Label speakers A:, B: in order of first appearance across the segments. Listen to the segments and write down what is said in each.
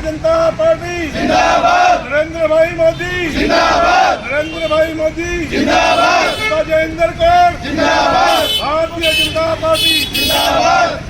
A: जनता पार्टी जिंदाबाद, नरेंद्र भाई मोदी जिंदाबाद, नरेंद्र भाई मोदी जिंदाबाद, राजेंद्र कौर जिंदाबाद, भारतीय जनता पार्टी जिंदाबाद।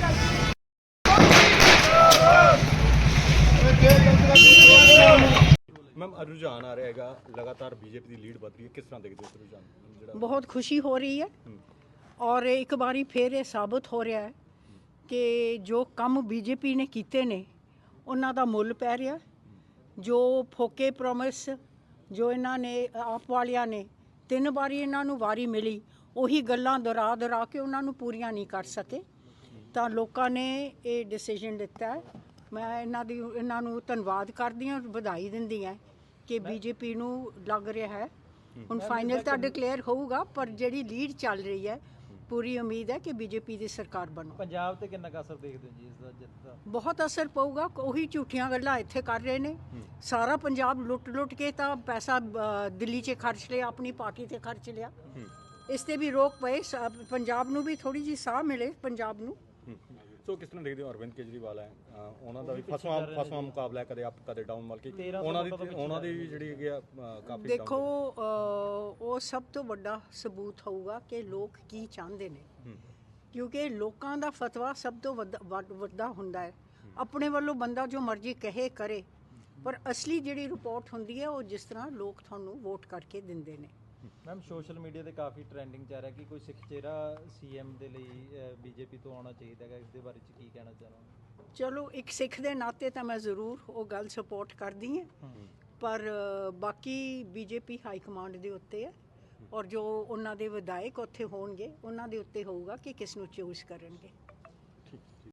B: मैम रुझान आ रहेगा लगातार बीजेपी की लीड बढ़ रही है, किस तरह देखते हो रुझान?
C: बहुत खुशी हो रही है और एक बारी फिर ये साबित हो रहा है कि जो काम बीजेपी ने कीते ने उन्हां दा मुੱਲ पै रहा। जो फोके प्रॉमिस जो इन्हां ने आप वालियां ने 3 ਵਾਰੀ इन्हां नूं वारी मिली ਉਹੀ ਗੱਲਾਂ ਦੁਹਰਾ ਦੁਹਰਾ ਕੇ ਉਹਨਾਂ ਨੂੰ ਪੂਰੀਆਂ ਨਹੀਂ ਕਰ ਸਕੇ ਤਾਂ ਲੋਕਾਂ ਨੇ ਇਹ ਡਿਸੀਜਨ ਲਿੱਤਾ ਹੈ। ਮੈਂ ਇਹਨਾਂ ਨੂੰ ਧੰਨਵਾਦ ਕਰਦੀ ਹਾਂ, ਵਧਾਈ ਦਿੰਦੀ ਹਾਂ ਕਿ ਬੀਜੇਪੀ ਨੂੰ ਲੱਗ ਰਿਹਾ ਹੈ ਹੁਣ ਫਾਈਨਲ ਤਾਂ ਡਿਕਲੇਅਰ ਹੋਊਗਾ, ਪਰ ਜਿਹੜੀ ਲੀਡ ਚੱਲ ਰਹੀ ਹੈ ਪੂਰੀ ਉਮੀਦ ਹੈ ਕਿ ਬੀਜੇਪੀ ਦੀ ਸਰਕਾਰ ਬਣੂ।
D: ਪੰਜਾਬ ਤੇ ਕਿੰਨਾ ਕੁ ਅਸਰ ਦੇਖਦੇ ਹੋ ਜੀ ਇਸ ਦਾ ਜਿੱਤ ਦਾ?
C: ਬਹੁਤ ਅਸਰ ਪਊਗਾ। ਉਹੀ ਝੂਠੀਆਂ ਗੱਲਾਂ ਇੱਥੇ ਕਰ ਰਹੇ ਨੇ। ਸਾਰਾ ਪੰਜਾਬ ਲੁੱਟ ਕੇ ਤਾਂ ਪੈਸਾ ਦਿੱਲੀ 'ਚ ਖਰਚ ਲਿਆ, ਆਪਣੀ ਪਾਰਟੀ ਤੇ ਖਰਚ ਲਿਆ। ਇਸ ਤੇ ਵੀ ਰੋਕ ਪਏ, ਪੰਜਾਬ ਨੂੰ ਵੀ ਥੋੜੀ ਜਿਹੀ ਸਾਹ ਮਿਲੇ ਪੰਜਾਬ ਨੂੰ।
B: ਸੋ ਕਿਸ ਤਰ੍ਹਾਂ ਦੇਖਦੇ ਹੋ ਅਰਵਿੰਦ ਕੇਜਰੀਵਾਲ ਹੈ ਉਹਨਾਂ ਦਾ ਵੀ ਫਸਵਾ ਮੁਕਾਬਲਾ ਹੈ, ਕਦੇ ਅਪ ਕਦੇ ਡਾਊਨ, ਮਤਲਬ ਕਿ ਉਹਨਾਂ ਦੀ ਜਿਹੜੀ ਹੈਗੀ ਆ ਕਾਫੀ
C: ਦੇਖੋ ਉਹ ਸਭ ਤੋਂ ਵੱਡਾ ਸਬੂਤ ਹੋਊਗਾ ਕਿ ਲੋਕ ਕੀ ਚਾਹੁੰਦੇ ਨੇ, ਕਿਉਂਕਿ ਲੋਕਾਂ ਦਾ ਫਤਵਾ ਸਭ ਤੋਂ ਵੱਡਾ ਹੁੰਦਾ ਹੈ। ਆਪਣੇ ਵੱਲੋਂ ਬੰਦਾ ਜੋ ਮਰਜ਼ੀ ਕਹੇ ਕਰੇ, ਪਰ ਅਸਲੀ ਜਿਹੜੀ ਰਿਪੋਰਟ ਹੁੰਦੀ ਹੈ ਉਹ ਜਿਸ ਤਰ੍ਹਾਂ ਲੋਕ ਤੁਹਾਨੂੰ ਵੋਟ ਕਰਕੇ ਦਿੰਦੇ ਨੇ।
D: ਮੈਮ ਸੋਸ਼ਲ ਮੀਡੀਆ ਤੇ ਕਾਫੀ ਟ੍ਰੈਂਡਿੰਗ ਚੱਲ ਰਿਹਾ ਕਿ ਕੋਈ ਸਿੱਖ ਚਿਹਰਾ ਸੀਐਮ ਦੇ ਲਈ ਬੀਜੇਪੀ ਤੋਂ ਆਉਣਾ ਚਾਹੀਦਾ ਹੈ, ਇਸ ਦੇ ਬਾਰੇ ਚ ਕੀ ਕਹਿਣਾ ਚਾਹੋਗੇ?
C: ਚਲੋ ਇੱਕ ਸਿੱਖ ਦੇ ਨਾਤੇ ਤਾਂ ਮੈਂ ਜ਼ਰੂਰ ਉਹ ਗੱਲ ਸਪੋਰਟ ਕਰਦੀ ਹਾਂ, ਪਰ ਬਾਕੀ ਬੀਜੇਪੀ ਹਾਈ ਕਮਾਂਡ ਦੇ ਉੱਤੇ ਹੈ ਔਰ ਜੋ ਉਹਨਾਂ ਦੇ ਵਿਧਾਇਕ ਉੱਥੇ ਹੋਣਗੇ ਉਹਨਾਂ ਦੇ ਉੱਤੇ ਹੋਊਗਾ ਕਿ ਕਿਸ ਨੂੰ ਚੂਜ਼ ਕਰਨਗੇ।